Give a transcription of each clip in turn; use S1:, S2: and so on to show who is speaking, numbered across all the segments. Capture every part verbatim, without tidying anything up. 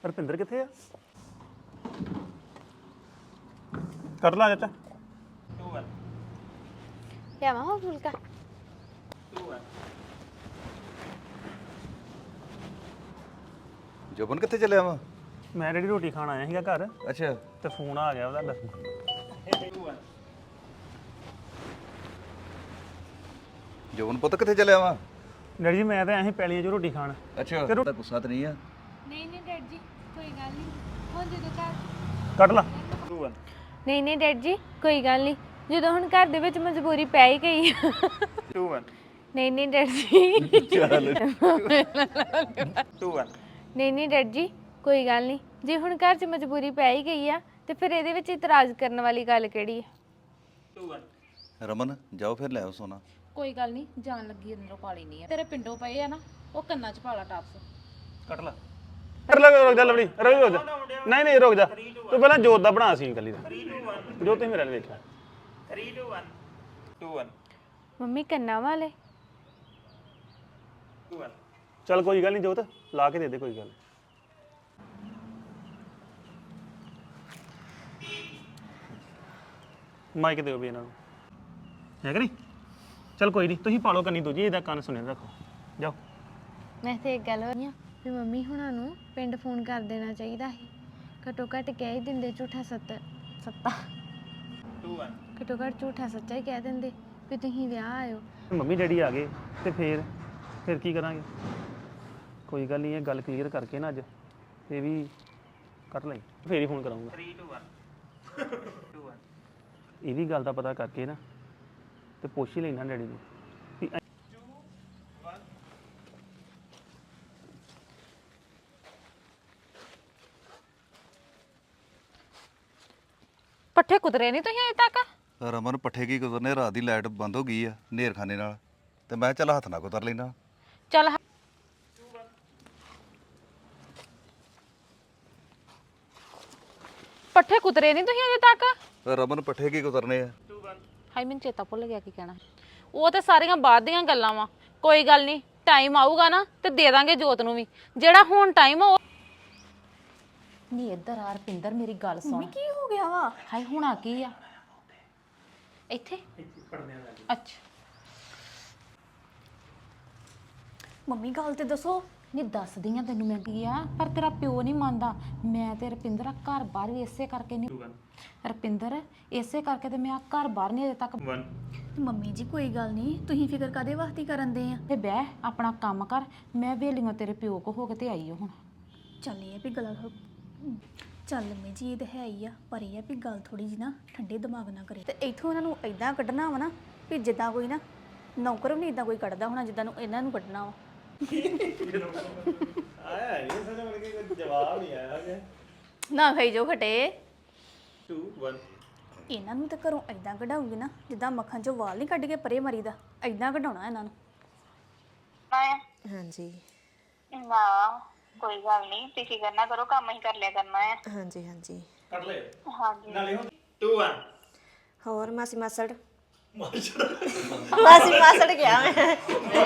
S1: ਰਪਿੰਦਰ ਕਿੱਥੇ ਆ? ਕਰ ਲਾ ਚਾਚਾ।
S2: ਲਿਆਵਾਂ ਹੋ ਫੁਲਕਾ?
S3: ਜੋਬਨ ਕਿੱਥੇ ਚੱਲਿਆ ਵਾ?
S1: ਮੈਂ ਜਿਹੜੀ ਰੋਟੀ ਖਾਣ ਆਇਆ ਸੀਗਾ ਘਰ
S3: ਅੱਛਾ
S1: ਤੇ ਫੋਨ ਆ ਗਿਆ ਉਹਦਾ।
S3: ਜੋਬਨ ਪੁੱਤ ਕਿੱਥੇ ਚੱਲਿਆ ਵਾ?
S1: ਡੈਡੀ ਜੀ ਮੈਂ ਤਾਂ ਆਇਆ ਸੀ ਪੈਲੀਆਂ 'ਚ ਰੋਟੀ ਖਾਣ।
S3: ਅੱਛਾ ਤੇਰਾ ਗੁੱਸਾ ਤਾਂ ਨਹੀਂ ਆ?
S2: ਨਹੀਂ ਨਹੀਂ ਡੈਡ ਜੀ ਕੋਈ ਗੱਲ ਨਹੀਂ, ਹੁਣ ਜਦੋਂ ਘਰ
S1: ਕੱਢ ਲਾ।
S2: ਨਹੀਂ ਨਹੀਂ ਡੈਡ ਜੀ ਕੋਈ ਗੱਲ ਨਹੀਂ, ਜਦੋਂ ਹੁਣ ਘਰ ਦੇ ਵਿੱਚ ਮਜਬੂਰੀ ਪੈ ਹੀ ਗਈ। ਨਹੀਂ ਨਹੀਂ ਡੈਡ ਜੀ
S3: ਚੱਲ
S2: ਨਹੀਂ ਨਹੀਂ ਡੈਡ ਜੀ ਕੋਈ ਗੱਲ ਨਹੀਂ, ਜੇ ਹੁਣ ਘਰ 'ਚ ਮਜਬੂਰੀ ਪੈ ਹੀ ਗਈ ਆ ਤੇ ਫਿਰ ਇਹਦੇ ਵਿੱਚ ਇਤਰਾਜ਼ ਕਰਨ ਵਾਲੀ ਗੱਲ ਕਿਹੜੀ ਹੈ?
S3: ਰਮਨ ਜਾਓ ਫਿਰ ਲੈ ਆਓ ਸੋਨਾ।
S4: ਕੋਈ ਗੱਲ ਨਹੀਂ, ਜਾਣ ਲੱਗੀ ਅੰਦਰੋਂ ਪਾਲੀ ਨਹੀਂ ਆ। ਤੇਰੇ ਪਿੰਡੋਂ ਪਏ ਆ ਨਾ, ਉਹ ਕੰਨਾਂ 'ਚ ਪਾਲਾ ਟਾਪਸ।
S1: ਕੱਢ ਲਾ। ਕਰ ਲਾ ਰੁਕ ਜਾ ਲਵੜੀ, ਰੁਕ ਜਾ। ਨਹੀਂ ਨਹੀਂ ਰੁਕ ਜਾ, ਤੂੰ ਪਹਿਲਾਂ ਜੋਤ ਦਾ ਬਣਾ ਸੀ ਇਕੱਲੀ ਦਾ। ਜੋ ਤੁਸੀਂ ਮੇਰੇ ਨਾਲ ਵੇਖਿਆ।
S5: three two one two one
S2: mummy ਕੰਨਾਂ ਵਾਲੇ
S5: two one
S1: ਚੱਲ ਕੋਈ ਗੱਲ ਨਹੀਂ ਜੋਤ, ਲਾ ਕੇ ਦੇ ਦੇ ਕੋਈ ਗੱਲ ਨੀ। ਮਾਈਕ ਦਿਓ ਵੀ ਇਹਨਾਂ ਨੂੰ, ਹੈ ਕਿ ਨਹੀਂ? ਚੱਲ ਕੋਈ ਨਹੀਂ, ਤੁਸੀਂ ਪਾਲੋ ਕੰਨੀ ਦੂਜੀ, ਇਹਦਾ ਕੰਨ ਸੁਣਿਆ ਰੱਖੋ। ਜਾਓ।
S2: ਮੈਂ ਤੇ ਇੱਕ ਗੱਲ ਹੋਈ ਆ ਵੀ ਮੰਮੀ ਹੁਣਾਂ ਨੂੰ ਪਿੰਡ ਫੋਨ ਕਰ ਦੇਣਾ ਚਾਹੀਦਾ ਸੀ, ਘੱਟੋ ਘੱਟ ਕਹਿ ਹੀ ਦਿੰਦੇ ਝੂਠਾ ਸੱਤ ਸੱਤਾ
S5: two one
S2: ਘੱਟੋ ਘੱਟ ਝੂਠਾ ਸੱਚਾ ਹੀ ਕਹਿ ਦਿੰਦੇ ਵੀ ਤੁਸੀਂ ਵਿਆਹ ਆਇਓ।
S1: ਮੰਮੀ ਡੈਡੀ ਆ ਗਏ ਤੇ ਫੇਰ ਫਿਰ ਕੀ ਕਰਾਂਗੇ? ਕੋਈ ਗੱਲ ਨਹੀਂ, ਇਹ ਗੱਲ ਕਲੀਅਰ ਕਰਕੇ ਨਾ ਅੱਜ ਇਹ ਵੀ ਕਰ ਲਈ, ਫੇਰ ਹੀ ਫੋਨ ਕਰਾਂਗਾ।
S5: three two one two one
S1: ਇਹ ਵੀ ਗੱਲ ਦਾ ਪਤਾ ਕਰਕੇ ਨਾ ਤੇ ਪੁੱਛ ਹੀ ਲੈਣਾ ਡੈਡੀ ਨੂੰ ਵੀ ਐ-
S4: ਪੱਠੇ ਕੁਤਰੇ ਨਹੀਂ ਤੁਸੀਂ ਅਜੇ ਤੱਕ?
S3: ਰਮਨ ਪੱਠੇ ਕੀ ਕੁਤਰਨੇ, ਰਾਤ ਦੀ ਲਾਈਟ ਬੰਦ ਹੋ ਗਈ ਆ ਨੇਰ ਖਾਨੇ ਨਾਲ, ਤੇ ਮੈਂ ਚੱਲ ਹੱਥ ਨਾਲ ਕੁਤਰ ਲੈਣਾ।
S4: ਚੱਲ ਪੱਠੇ ਕੁਤਰੇ ਨਹੀਂ ਤੁਸੀਂ ਅਜੇ ਤੱਕ?
S3: ਰਮਨ ਪੱਠੇ ਕੀ ਕੁਤਰਨੇ ਆ?
S4: ਹਾਈ ਮੈਨੂੰ ਚੇਤਾ ਭੁੱਲ ਗਿਆ ਕੀ ਕਹਿਣਾ। ਉਹ ਤੇ ਸਾਰੀਆਂ ਬਾਅਦ ਦੀਆਂ ਗੱਲਾਂ ਵਾ, ਕੋਈ ਗੱਲ ਨਹੀਂ, ਟਾਈਮ ਆਊਗਾ ਨਾ ਤੇ ਦੇ ਦਾਂਗੇ ਜੋਤ ਨੂੰ ਵੀ, ਜਿਹੜਾ ਹੁਣ ਟਾਈਮ ਆ ਉਹ ਨਹੀਂ। ਇੱਧਰ ਆ ਰਪਿੰਦਰ, ਮੇਰੀ ਗੱਲ ਸੁਣ।
S2: ਕੀ ਹੋ ਗਿਆ ਵਾ?
S4: ਹਾਏ ਹੁਣਾ ਕੀ ਆ ਇੱਥੇ? ਅੱਛਾ
S6: ਮੰਮੀ ਗੱਲ ਤੇ ਦੱਸੋ।
S4: ਨਹੀਂ ਦੱਸਦੀ ਆ ਤੈਨੂੰ ਮੈਂ ਕੀ ਆ, ਪਰ ਤੇਰਾ ਪਿਓ ਨਹੀਂ ਮੰਨਦਾ। ਮੈਂ ਤੇ ਰਪਿੰਦਰ ਆ ਘਰ ਬਾਹਰ ਵੀ ਇਸੇ ਕਰਕੇ ਨਹੀਂ, ਰਪਿੰਦਰ ਇਸੇ ਕਰਕੇ ਤੇ ਮੈਂ ਆ ਘਰ ਬਾਹਰ ਨਹੀਂ ਅਜੇ ਤੱਕ।
S6: ਮੰਮੀ ਜੀ ਕੋਈ ਗੱਲ ਨਹੀਂ, ਤੁਸੀਂ ਫਿਕਰ ਕਾਦੇ ਵਾਸਤੇ ਕਰਨ ਦੇ ਆ।
S4: ਤੇ ਬਹਿ ਆਪਣਾ ਕੰਮ ਕਰ, ਮੈਂ ਵੇਲੀਆਂ ਤੇਰੇ ਪਿਓ ਕੋ ਹੋ ਕੇ ਤੇ ਆਈ ਆ ਹੁਣ।
S6: ਚੱਲ ਇਹ ਆ ਵੀ ਗੱਲ ਚੱਲ ਮੰਮੀ ਜੀ ਇਹ ਤਾਂ ਹੈ ਹੀ ਆ, ਪਰ ਇਹ ਆ ਵੀ ਗੱਲ ਥੋੜੀ ਜੀ ਨਾ ਠੰਡੇ ਦਿਮਾਗ ਨਾਲ ਕਰੇ ਤੇ ਇੱਥੋਂ ਇਹਨਾਂ ਨੂੰ ਇਦਾਂ ਕੱਢਣਾ ਵਾ ਨਾ ਵੀ ਜਿੱਦਾਂ ਕੋਈ ਨਾ ਨੌਕਰ ਵੀ ਨਹੀਂ ਇਦਾਂ ਕੋਈ ਕੱਢਦਾ ਹੋਣਾ ਜਿੱਦਾਂ ਨੂੰ ਇਹਨਾਂ ਨੂੰ ਕੱਢਣਾ ਵਾ।
S5: ਆਇਆ ਇਹ ਸਾਰੇ ਮਿਲ ਕੇ ਕੋਈ ਜਵਾਬ ਨਹੀਂ ਆਇਆ ਹੈ
S6: ਨਾ ਖਾਈ ਜੋ ਖਟੇ।
S5: two one
S6: ਇਹਨਾਂ ਨੂੰ ਤਾਂ ਘਰੋਂ ਇਦਾਂ ਕਢਾਉਂਗੀ ਨਾ ਜਿੱਦਾਂ ਮੱਖਣ ਚੋਂ ਵਾਲ ਨਹੀਂ ਕੱਢ ਕੇ ਪਰੇ ਮਰੀਦਾ, ਇਦਾਂ ਕਢਾਉਣਾ ਇਹਨਾਂ ਨੂੰ।
S7: ਹਾਂਜੀ
S8: ਨਾ ਕੋਈ ਗੱਲ ਨਹੀਂ, ਤੁਸੀਂ ਕਰਨਾ ਕਰੋ, ਕੰਮ ਹੀ ਕਰ ਲਿਆ ਕਰਨਾ ਹੈ।
S7: ਹਾਂਜੀ ਹਾਂਜੀ
S5: ਕੱਢ ਲੈ
S8: ਹਾਂਜੀ
S5: ਨਾਲੇ ਹੁਣ two one
S7: ਹੋਰ ਮਾਸੀ ਮਾਸੜ ਮਾਸੀ ਮਾਸੜ ਗਿਆ ਮੈਂ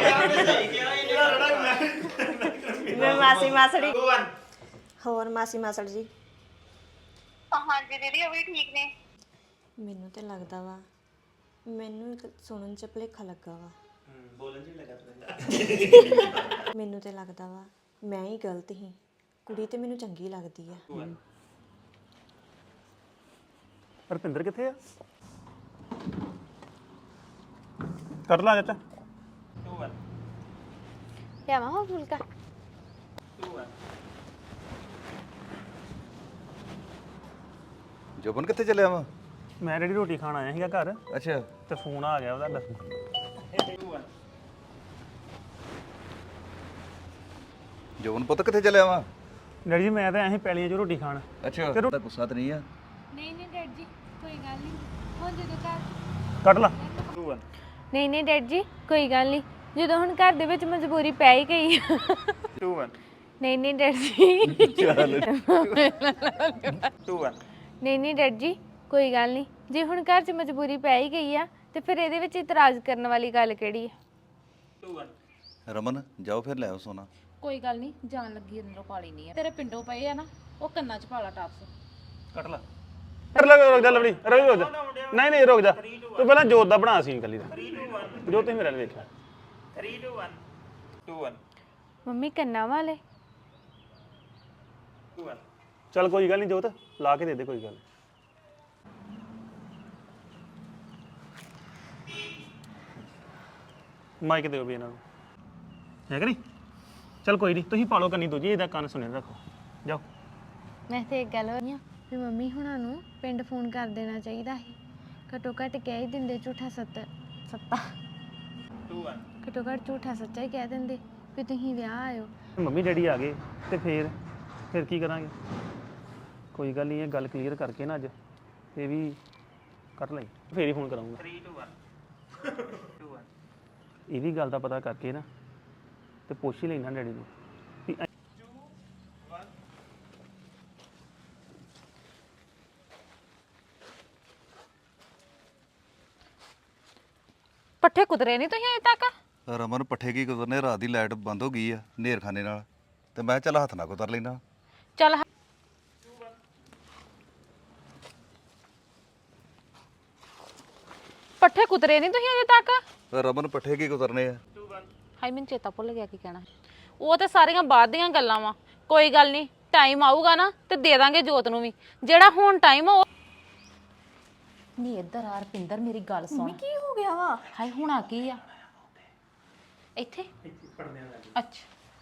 S7: ਮੈਂ ਮਾਸੀ ਮਾਸੜੀ
S5: two one
S7: ਹੋਰ ਮਾਸੀ ਮਾਸੜ ਜੀ।
S8: ਹਾਂਜੀ ਦੀਦੀ ਉਹ ਵੀ ਠੀਕ ਨੇ।
S7: ਮੈਨੂੰ ਤੇ ਲੱਗਦਾ ਵਾ, ਮੈਨੂੰ ਤਾਂ ਸੁਣਨ ਚ ਭੁਲੇਖਾ ਲੱਗਾ ਵਾ।
S5: ਬੋਲਣ ਚ ਲੱਗਾ
S7: ਮੈਨੂੰ ਤੇ ਲੱਗਦਾ ਵਾ ਮੈਂ ਹੀ ਗਲਤ ਸੀ, ਕੁੜੀ ਤੇ ਮੈਨੂੰ ਚੰਗੀ ਲੱਗਦੀ ਆ।
S1: ਰਪਿੰਦਰ ਕਿੱਥੇ ਆ? ਕਰ ਲਾ ਚਾਚਾ।
S5: two one
S2: ਲਿਆਵਾਂ ਹੋ ਫੁਲਕਾ?
S5: two one
S3: ਜੋਬਨ ਕਿੱਥੇ ਚੱਲਿਆ ਵਾ?
S1: ਮੈਂ ਜਿਹੜੀ ਰੋਟੀ ਖਾਣ ਆਇਆ ਸੀਗਾ ਘਰ
S3: ਅੱਛਾ
S1: ਤੇ ਫੋਨ ਆ ਗਿਆ ਉਹਦਾ।
S5: two one
S3: ਜੋਬਨ ਪੁੱਤ ਕਿੱਥੇ ਚੱਲਿਆ ਵਾ?
S1: ਡੈਡੀ ਜੀ ਮੈਂ ਤਾਂ ਆਇਆ ਸੀ ਪੈਲੀਆਂ 'ਚ ਰੋਟੀ ਖਾਣ।
S3: ਅੱਛਾ ਤੇਰਾ ਗੁੱਸਾ ਤਾਂ ਨਹੀਂ ਆ?
S2: ਨਹੀਂ ਨਹੀਂ ਡੈਡ ਜੀ ਕੋਈ ਗੱਲ ਨਹੀਂ, ਹੁਣ ਜਦੋਂ ਘਰ
S1: ਕੱਢ ਲਾ।
S5: two one
S2: ਨਹੀਂ ਨਹੀਂ ਡੈਡ ਜੀ ਕੋਈ ਗੱਲ ਨਹੀਂ, ਜਦੋਂ ਹੁਣ ਘਰ ਦੇ ਵਿੱਚ ਮਜਬੂਰੀ ਪੈ ਹੀ ਗਈ।
S5: two one
S2: ਨਹੀਂ ਨਹੀਂ ਡੈਡ ਜੀ
S3: ਚੱਲ
S5: two one
S2: ਨਹੀਂ ਨਹੀਂ ਡੈਡ ਜੀ ਕੋਈ ਗੱਲ ਨਹੀਂ, ਜੇ ਹੁਣ ਘਰ 'ਚ ਮਜਬੂਰੀ ਪੈ ਹੀ ਗਈ ਆ ਤੇ ਫਿਰ ਇਹਦੇ ਵਿੱਚ ਇਤਰਾਜ਼ ਕਰਨ ਵਾਲੀ ਗੱਲ ਕਿਹੜੀ ਹੈ?
S5: two one
S3: ਰਮਨ ਜਾਓ ਫਿਰ ਲੈ ਆਓ ਸੋਨਾ।
S4: ਕੋਈ ਗੱਲ ਨਹੀਂ, ਜਾਣ ਲੱਗੀ ਅੰਦਰੋਂ ਪਾ ਲੈਣੀ ਆ। ਤੇਰੇ ਪਿੰਡੋਂ ਪਏ ਆ ਨਾ, ਉਹ ਕੰਨਾਂ 'ਚ ਪਾਲਾ ਟਾਪਸ।
S1: ਕੱਟ ਲਾ ਕਰ ਲੈ ਰੁਕ ਜਾ ਲਵੜੀ ਰੁਕ ਜਾ ਨਹੀਂ ਨਹੀਂ ਰੁਕ ਜਾ ਤੂੰ ਪਹਿਲਾਂ ਜੋਤ ਦਾ ਬਣਾ ਸੀਨ ਕੱਲੀ ਦਾ ਜੋ ਤੁਸੀਂ ਮੇਰੇ ਨਾਲ ਵੇਖਿਆ
S5: three two one two one
S2: mummy ਕੰਨਾਂ ਵਾਲੇ
S5: two one
S1: ਚੱਲ ਕੋਈ ਗੱਲ ਨਹੀਂ ਜੋਤ ਲਾ ਕੇ ਦੇ ਦੇ ਕੋਈ ਗੱਲ ਨੀ। ਮਾਈਕ ਦਿਓ ਵੀ ਇਹਨਾਂ ਨੂੰ ਹੈ ਕਿ ਨਹੀਂ ਚੱਲ ਕੋਈ ਨਹੀਂ ਤੁਸੀਂ ਪਾਲੋ ਕੰਨੀ ਦੂਜੀ ਇਹਦਾ ਕੰਨ ਸੁਣੇ ਰੱਖੋ ਜਾਓ।
S2: ਮੈਂ ਤੇ ਇੱਕ ਗੱਲ ਹੋ ਰਹੀ ਆ ਵੀ ਮੰਮੀ ਹੁਣਾਂ ਨੂੰ ਪਿੰਡ ਫੋਨ ਕਰ ਦੇਣਾ ਚਾਹੀਦਾ ਸੀ। ਘੱਟੋ ਘੱਟ ਕਹਿ ਹੀ ਦਿੰਦੇ ਝੂਠਾ ਸੱਤ ਸੱਤਾ
S5: two one
S2: ਘੱਟੋ ਘੱਟ ਝੂਠਾ ਸੱਚਾ ਹੀ ਕਹਿ ਦਿੰਦੇ ਵੀ ਤੁਸੀਂ ਵਿਆਹ ਆਇਓ।
S1: ਮੰਮੀ ਡੈਡੀ ਆ ਗਏ ਤੇ ਫੇਰ ਫਿਰ ਕੀ ਕਰਾਂਗੇ ਕੋਈ ਗੱਲ ਨਹੀਂ ਇਹ ਗੱਲ ਕਲੀਅਰ ਕਰਕੇ ਨਾ ਅੱਜ ਇਹ ਵੀ ਕਰ ਲਈ ਫੇਰ ਹੀ ਫੋਨ ਕਰਾਂਗਾ।
S5: three two one two one
S1: ਇਹ ਵੀ ਗੱਲ ਦਾ ਪਤਾ ਕਰਕੇ ਨਾ ਤੇ ਪੁੱਛ ਹੀ ਲੈਣਾ ਡੈਡੀ ਨੂੰ ਵੀ ਐ-
S4: ਪੱਠੇ ਕੁਤਰੇ ਨਹੀਂ ਤੁਸੀਂ ਅਜੇ ਤੱਕ?
S3: ਰਮਨ ਪੱਠੇ ਕੀ ਕੁਤਰਨੇ, ਰਾਤ ਦੀ ਲਾਈਟ ਬੰਦ ਹੋ ਗਈ ਆ ਨੇਰ ਖਾਨੇ ਨਾਲ, ਤੇ ਮੈਂ ਕਿਹਾ ਚੱਲ ਹੱਥ ਨਾਲ ਕੁਤਰ ਲੈਣਾ।
S4: ਚੱਲ ਪੱਠੇ ਕੁਤਰੇ ਨਹੀਂ ਤੁਸੀਂ ਅਜੇ ਤੱਕ?
S3: ਰਮਨ ਪੱਠੇ ਕੀ ਕੁਤਰਨੇ ਆ।
S4: ਹਾਈ ਮੈਨੂੰ ਚੇਤਾ ਭੁੱਲ ਗਿਆ ਕੀ ਕਹਿਣਾ। ਉਹ ਤੇ ਸਾਰੀਆਂ ਬਾਅਦ ਦੀਆਂ ਗੱਲਾਂ ਵਾ। ਕੋਈ ਗੱਲ ਨਹੀਂ, ਟਾਈਮ ਆਊਗਾ ਨਾ ਤੇ ਦੇ ਦਾਂਗੇ ਜੋਤ ਨੂੰ ਵੀ। ਜਿਹੜਾ ਹੁਣ ਟਾਈਮ ਉਹ ਨਹੀਂ। ਇੱਧਰ ਆ ਰਪਿੰਦਰ, ਮੇਰੀ ਗੱਲ ਸੁਣ।
S6: ਕੀ ਹੋ ਗਿਆ ਵਾ?
S4: ਹਾਏ ਹੁਣਾ ਕੀ ਆ ਇੱਥੇ? ਅੱਛਾ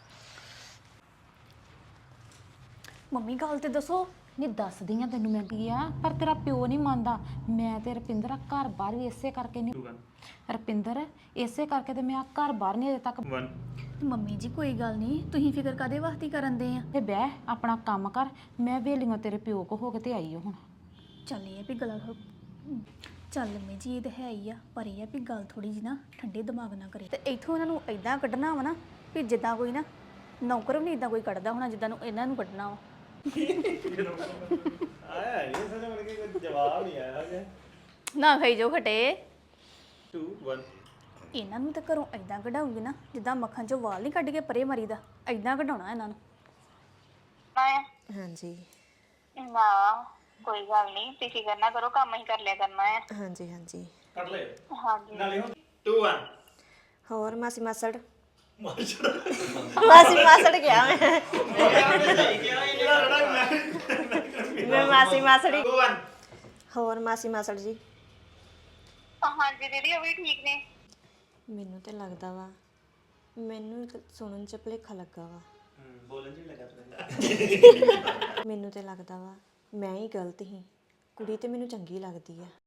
S6: ਮੰਮੀ ਗੱਲ ਤੇ ਦੱਸੋ।
S4: ਨਹੀਂ ਦੱਸਦੀ ਆ ਤੈਨੂੰ ਮੈਂ ਕੀ ਆ, ਪਰ ਤੇਰਾ ਪਿਓ ਨਹੀਂ ਮੰਨਦਾ। ਮੈਂ ਤੇ ਰਪਿੰਦਰ ਆ ਘਰ ਬਾਹਰ ਵੀ ਇਸੇ ਕਰਕੇ ਨਹੀਂ ਰਪਿੰਦਰ ਇਸੇ ਕਰਕੇ ਤੇ ਮੈਂ ਆ ਘਰ ਬਾਹਰ ਨਹੀਂ ਅਜੇ ਤੱਕ।
S5: one
S6: ਮੰਮੀ ਜੀ ਕੋਈ ਗੱਲ ਨਹੀਂ, ਤੁਸੀਂ ਫਿਕਰ ਕਾਦੇ ਵਾਸਤੇ ਕਰਨ ਦੇ ਆ?
S4: ਤੇ ਬਹਿ ਆਪਣਾ ਕੰਮ ਕਰ। ਮੈਂ ਵੇਲੀਆਂ ਤੇਰੇ ਪਿਓ ਕੋ ਹੋ ਕੇ ਤੇ ਆਈ ਓ ਹੁਣ।
S6: ਚੱਲ ਇਹ ਆ ਵੀ ਗੱਲ ਚੱਲ ਮੰਮੀ ਜੀ ਇਹ ਤਾਂ ਹੈ ਹੀ ਆ, ਪਰ ਇਹ ਆ ਵੀ ਗੱਲ ਥੋੜੀ ਜੀ ਨਾ ਠੰਡੇ ਦਿਮਾਗ ਨਾਲ ਕਰੇ ਤੇ ਇੱਥੋਂ ਇਹਨਾਂ ਨੂੰ ਐਦਾਂ ਕੱਢਣਾ ਵਾ ਨਾ ਵੀ ਜਿੱਦਾਂ ਕੋਈ ਨਾ ਨੌਕਰ ਵੀ ਨਹੀਂ ਇਦਾਂ ਕੋਈ ਕੱਢਦਾ ਹੋਣਾ ਜਿੱਦਾਂ ਨੂੰ ਇਹਨਾਂ ਨੂੰ ਕੱਢਣਾ ਵਾ।
S5: ਆਇਆ ਇਹ ਸਮਝ ਮਨ ਕੇ ਕੋਈ ਜਵਾਬ ਨਹੀਂ ਆਇਆ ਕਿ
S6: ਨਾ ਖਾਈ ਜੋ ਖਟੇ।
S5: two one
S6: ਇਹਨਾਂ ਨੂੰ ਤਾਂ ਘਰੋਂ ਐਦਾਂ ਕਢਾਉਂਗੀ ਨਾ ਜਿੱਦਾਂ ਮੱਖਣ ਚੋਂ ਵਾਲ ਨਹੀਂ ਕੱਢ ਕੇ ਪਰੇ ਮਰੀਦਾ, ਐਦਾਂ ਕਢਾਉਣਾ ਇਹਨਾਂ ਨੂੰ।
S7: ਹਾਂਜੀ
S8: ਨਾ ਕੋਈ ਗੱਲ ਨਹੀਂ ਤੁਸੀਂ ਫਿਕਰ ਨਾ ਕਰੋ ਕੰਮ ਹੀ ਕਰ ਲਿਆ ਕਰਨਾ ਹੈ।
S7: ਹਾਂਜੀ ਹਾਂਜੀ
S5: ਕੱਟ ਲੈ
S8: ਹਾਂਜੀ
S5: ਨਾਲੇ ਹੁਣ two one
S7: ਹੋਰ ਮਾਸੀ ਮਾਸੜ ਮਾਸੀ ਮਾਸੜ ਗਿਆ ਮੈਂ ਮੈਂ ਮਾਸੀ ਮਾਸੜੀ।
S5: two one
S7: ਹੋਰ ਮਾਸੀ ਮਾਸੜ ਜੀ
S8: ਹਾਂਜੀ ਦੀਦੀ ਉਹ ਵੀ ਠੀਕ ਨੇ।
S7: ਮੈਨੂੰ ਤੇ ਲੱਗਦਾ ਵਾ ਮੈਨੂੰ ਇੱਕ ਸੁਣਨ ਚ ਭੁਲੇਖਾ ਲੱਗਾ ਵਾ।
S5: ਬੋਲਣ ਚ ਲੱਗਾ
S7: ਮੈਨੂੰ ਤੇ ਲੱਗਦਾ ਵਾ ਮੈਂ ਹੀ ਗਲਤ ਸੀ, ਕੁੜੀ ਤੇ ਮੈਨੂੰ ਚੰਗੀ ਲੱਗਦੀ ਆ।